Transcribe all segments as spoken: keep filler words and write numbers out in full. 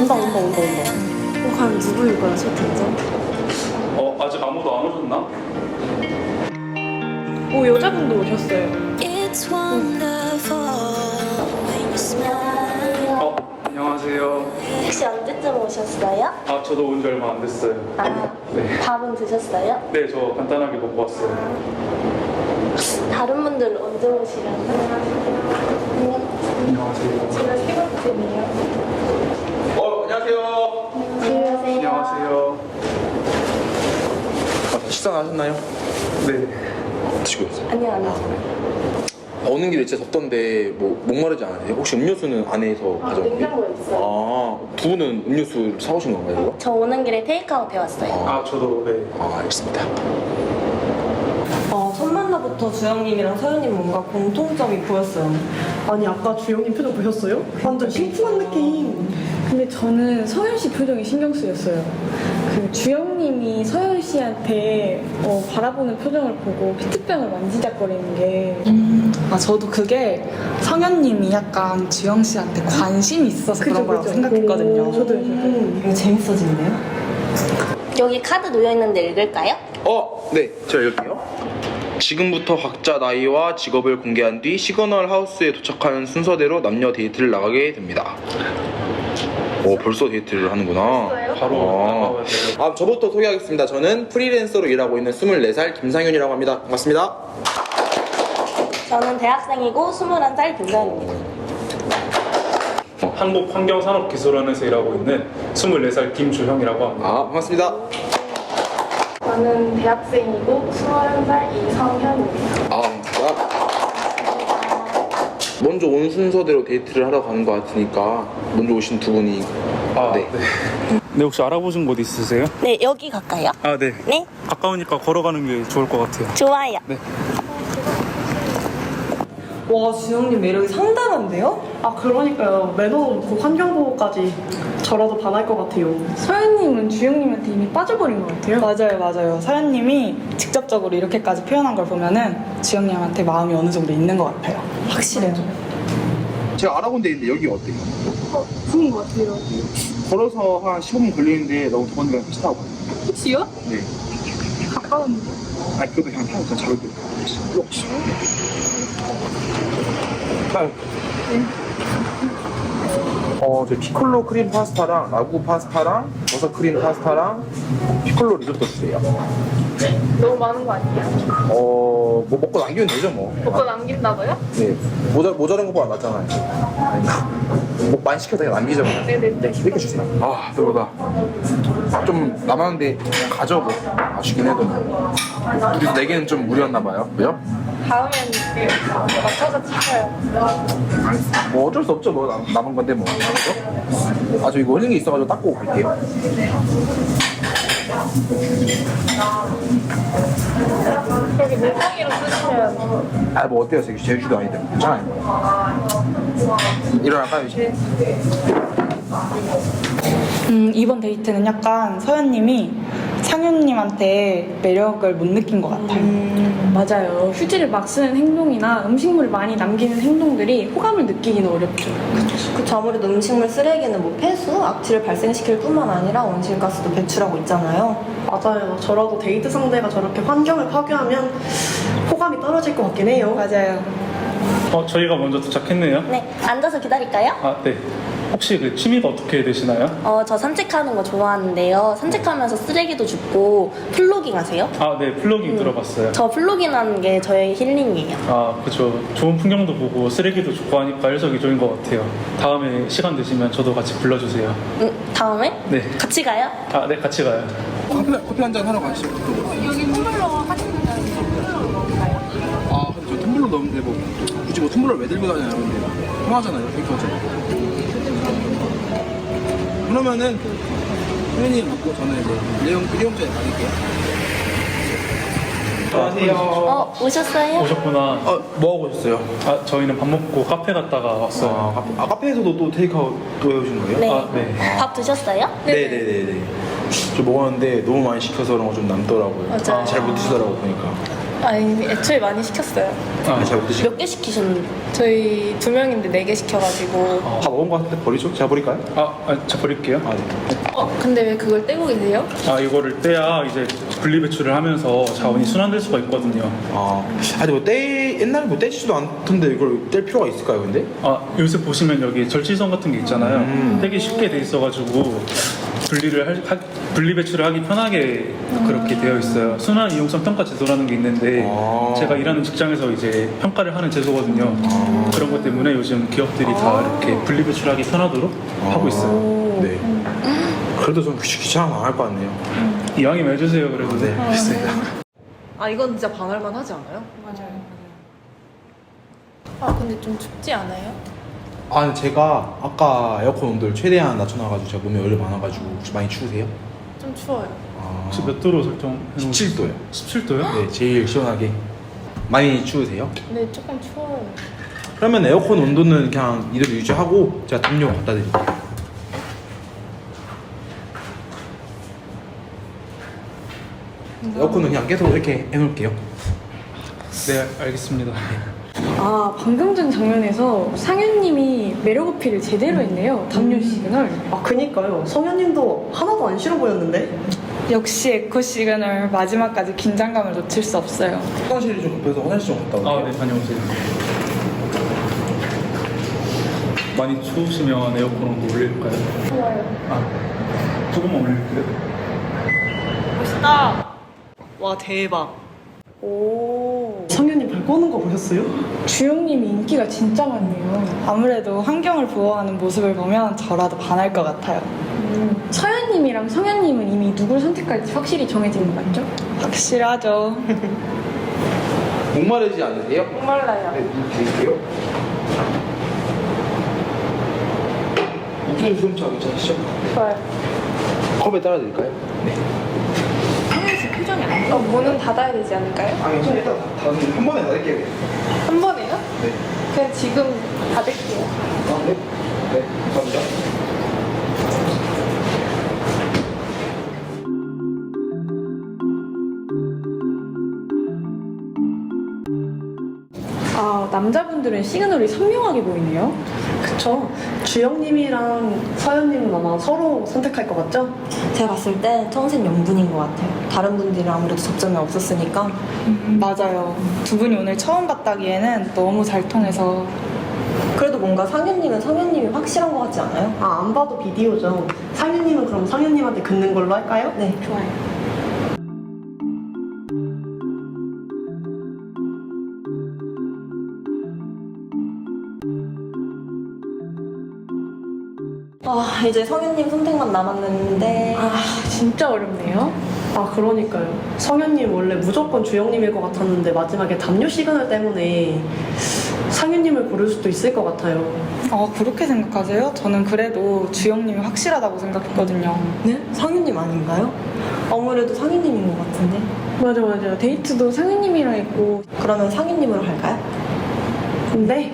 온다 온다 온다 온다. 어, 과연 누구일 거야 채팅창? 어 아직 아무도 안 오셨나? 오 여자분도 오셨어요. 어 안녕하세요. 혹시 언제쯤 오셨어요? 아 저도 온 지 얼마 안 됐어요. 아, 네. 밥은 드셨어요? 네 저 간단하게 먹고 왔어요. 다른 분들 언제 오시려나? 안녕하세요. 제가 세 번째네요. 어 안녕하세요. 안녕하세요. 안녕하세요. 아, 식사 하셨나요? 네. 드시고 있어요. 아니요, 아니요. 아, 오는 길에 진짜 덥던데 뭐 목마르지 않으세요? 혹시 음료수는 안에서 아, 가져온 게? 냉장고에 있어요. 아, 두 분은 음료수 사오신 건가요, 이거? 저 오는 길에 테이크아웃 해왔어요. 아 저도 네. 아, 알겠습니다. 어, 첫 만나부터 주영님이랑 서현님 뭔가 공통점이 보였어요. 아니 아까 주영님 표정 보셨어요? 완전 심쿵한 느낌. 근데 저는 서현 씨 표정이 신경 쓰였어요. 그 주영님이 서현 씨한테 어, 바라보는 표정을 보고 페트병을 만지작거리는 게 음, 아 저도 그게 성현님이 약간 주영 씨한테 관심이 있어서 그죠, 그런 거라고 그죠. 생각했거든요. 오, 저도요, 저도요. 이거 재밌어지는데요? 여기 카드 놓여있는데 읽을까요? 어, 네, 제가 읽을게요. 지금부터 각자 나이와 직업을 공개한 뒤 시그널 하우스에 도착하는 순서대로 남녀 데이트를 나가게 됩니다. 오, 벌써 데이트를 하는구나. 바로 아. 나가야 돼요. 아, 저부터 소개하겠습니다. 저는 프리랜서로 일하고 있는 스물네 살 김상윤이라고 합니다. 반갑습니다. 저는 대학생이고 스물한 살 김서연입니다. 한국환경산업기술원에서 일하고 있는 스물네 살 김주형이라고 합니다. 아, 반갑습니다. 저는 대학생이고 스물한 살 이성현입니다. 아, 반갑습니다. 먼저 온 순서대로 데이트를 하러 가는 것 같으니까 먼저 오신 두 분이 아, 네. 네. 네 혹시 알아보신 곳 있으세요? 네, 여기 갈까요? 아 네. 네, 가까우니까 걸어가는 게 좋을 것 같아요. 좋아요. 네. 와, 주영님 매력이 상당한데요? 아 그러니까요. 매너 놓고 환경보호까지 저라도 반할 것 같아요. 서현님은 주영님한테 이미 빠져버린 것 같아요. 맞아요, 맞아요. 서현님이 직접적으로 이렇게까지 표현한 걸 보면은 주영님한테 마음이 어느 정도 있는 것 같아요. 확실해요. 제가 알아본 데 있는데 여기 어때요? 어, 좋은 것 같아요. 걸어서 한 십오 분 걸리는데 너무 더운 데랑 택시 타고 가요. 혹시요? 네. 가까운데. 아니 그것도 그냥 타고 그냥 자유롭게 혹시 어, 저 피콜로 크림 파스타랑 라구 파스타랑 버섯 크림 파스타랑 피콜로 리조또 주세요. 너무 많은 거 아니에요? 어, 뭐 먹고 남기면 되죠 뭐. 먹고 남긴다고요? 네, 모자 모자란 것보다 낫잖아요. 아닌가? 뭐 많이 시켜도 그냥 남기죠. 그냥. 네네네. 네, 이렇게 주세요. 아, 배고다. 좀 남았는데 가져 뭐. 아쉽긴 해도. 둘이서 네 개는 좀 무리였나 봐요. 그죠? 다음엔 맞춰서 찍어요. 아니, 뭐 어쩔 수 없죠. 뭐 남, 남은 건데 뭐. 그죠? 아, 저 이거 흘린 게 있어가지고 닦고 갈게요. 여기 물고기로 쓰시면 아, 뭐 어때요? 제주도 아닌데. 괜찮아요. 일어날까요, 이제? 음, 이번 데이트는 약간 서현님이 상윤님한테 매력을 못 느낀 것 같아요. 음, 맞아요. 휴지를 막 쓰는 행동이나 음식물을 많이 남기는 행동들이 호감을 느끼기는 어렵죠. 그쵸, 아무래도 음식물 쓰레기는 뭐 폐수, 악취를 발생시킬 뿐만 아니라 온실가스도 배출하고 있잖아요. 맞아요. 저라도 데이트 상대가 저렇게 환경을 파괴하면 호감이 떨어질 것 같긴 해요. 맞아요. 어 저희가 먼저 도착했네요. 네, 앉아서 기다릴까요? 아 네. 혹시 그 취미가 어떻게 되시나요? 어, 저 산책하는 거 좋아하는데요. 산책하면서 쓰레기도 줍고 플로깅 하세요? 아 네 플로깅 들어봤어요. 저 플로깅 하는 게 저의 힐링이에요. 아 그죠. 좋은 풍경도 보고 쓰레기도 줍고 하니까 일석이조인 것 같아요. 다음에 시간 되시면 저도 같이 불러주세요. 음, 다음에? 네. 같이 가요? 아 네 같이 가요. 커피, 커피 한 잔 하러 가시죠. 여기 텀블러 하시는 가요? 아, 근데 저 텀블러 넣는데 뭐 굳이 뭐 텀블러 왜 들고 다녀요? 근데 통하잖아요, 데이트하잖아요. 그러면은 회원님 먹고 저는 이제 일회용 일회용차에 가릴게요. 안녕하세요. 어, 오셨어요? 오셨구나. 어, 뭐 하고 오셨어요? 아 저희는 밥 먹고 카페 갔다가 왔어요. 아, 카페, 아 카페에서도 또 테이크아웃 또 해오신 거예요? 네. 아 네. 밥 드셨어요? 네네네네. 저 먹었는데 너무 많이 시켜서 그런 거 좀 남더라고요. 맞아요. 잘 못 드시더라고 보니까. 아니 애초에 많이 시켰어요. 아, 잘 못 드시고. 몇 개 시키셨는데? 저희 두 명인데 네 개 시켜가지고. 다 먹은 거 같은데 버리죠? 제가 버릴까요? 아, 아, 저 버릴게요. 아, 네. 어 근데 왜 그걸 떼고 계세요? 아, 이거를 떼야 이제 분리배출을 하면서 자원이 순환될 수가 있거든요. 아, 아니 뭐 떼, 옛날에 뭐 떼지도 않던데 이걸 뗄 필요가 있을까요, 근데? 아, 요새 보시면 여기 절취선 같은 게 있잖아요. 음. 되게 쉽게 돼 있어가지고 분리를 할, 하, 분리 배출을 하기 편하게 그렇게 되어 있어요. 순환 이용성 평가 제도라는 게 있는데 아. 제가 일하는 직장에서 이제 평가를 하는 제도거든요. 아. 그런 것 때문에 요즘 기업들이 다 이렇게 분리 배출하기 편하도록 하고 있어요. 네. 그래도 좀 귀- 귀찮아서 안 할 것 같네요. 이왕이면 해주세요. 그래도 네, 알겠습니다. 아, 이건 진짜 반할만 하지 않아요? 아 근데 좀 춥지 않아요? 아, 근데 제가 아까 에어컨 온도를 최대한 낮춰놔가지고 제가 몸에 열이 많아가지고 혹시 많이 추우세요? 좀 추워요. 아, 혹시 몇 도로 설정? 십칠 도요. 십칠 도요? 네, 제일 시원하게. 많이 추우세요? 네 조금 추워요. 그러면 에어컨 온도는 그냥 이대로 유지하고 제가 담요 갖다 드릴게요. 에어컨은 그냥 계속 이렇게 해놓을게요. 네, 알겠습니다. 아, 방금 전 장면에서 상현님이 매력 어필을 제대로 했네요. 담요 시그널. 아, 그니까요. 성현님도 하나도 안 싫어 보였는데? 역시 에코 시그널 마지막까지 긴장감을 놓칠 수 없어요. 화장실이 좀 급해서 화장실 좀 갔다 아, 올게요. 네, 다녀오세요. 많이 추우시면 에어컨 온도 올릴까요? 좋아요. 아, 조금만 올릴게요. 와, 대박. 오. 성현님 발 꺼는 거 보셨어요? 주영님이 인기가 진짜 많네요. 아무래도 환경을 보호하는 모습을 보면 저라도 반할 것 같아요. 서현님이랑 성현님은 이미 누굴 선택할지 확실히 정해진 거 맞죠? 확실하죠. 목마르지 않으세요? 목말라요. 네, 물 드릴게요. 우기는 수음차 괜찮으시죠? 좋아요. 컵에 따라 드릴까요? 네. 어 문은 닫아야 되지 않을까요? 아, 괜찮아요. 일단 다, 한 번에 닫을게요. 한 번에요? 네. 그냥 지금 닫을게요. 아, 네. 네, 감사합니다. 아, 남자분들은 시그널이 선명하게 보이네요. 그쵸. 주영님이랑 서현님은 아마 서로 선택할 것 같죠? 제가 봤을 때 청생 명분인 것 같아요. 다른 분들이랑 아무래도 접점이 없었으니까. 맞아요. 두 분이 오늘 처음 봤다기에는 너무 잘 통해서. 그래도 뭔가 상현님은 성현님이 확실한 것 같지 않아요? 아, 안 봐도 비디오죠. 상현님은 그럼 상현님한테 긋는 걸로 할까요? 네, 좋아요. 아, 이제 성현님 선택만 남았는데. 아, 진짜 어렵네요. 아, 그러니까요. 성현님 원래 무조건 주영님일 것 같았는데 마지막에 담요 시그널 때문에 상현님을 고를 수도 있을 것 같아요. 어, 그렇게 생각하세요? 저는 그래도 주영님이 확실하다고 생각했거든요. 네? 상현님 아닌가요? 아무래도 상현님인 것 같은데. 맞아, 맞아. 데이트도 상현님이랑 했고. 그러면 상현님으로 갈까요? 네.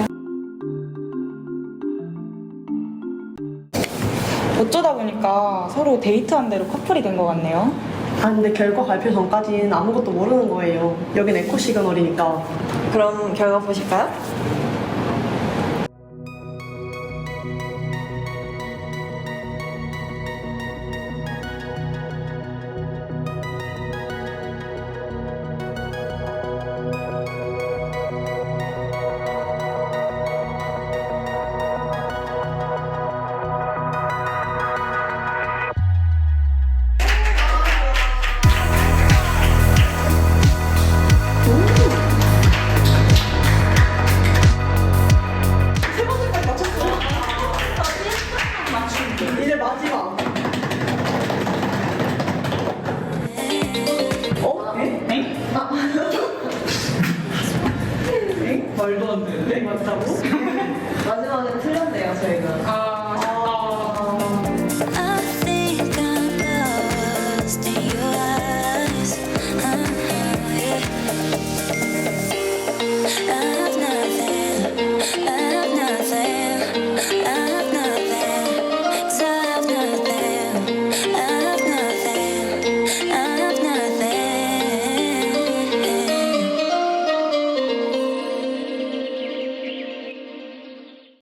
어쩌다 보니까 서로 데이트한 대로 커플이 된 것 같네요. 아, 근데 결과 발표 전까지는 아무것도 모르는 거예요. 여긴 에코 시그널이니까. 그럼 결과 보실까요?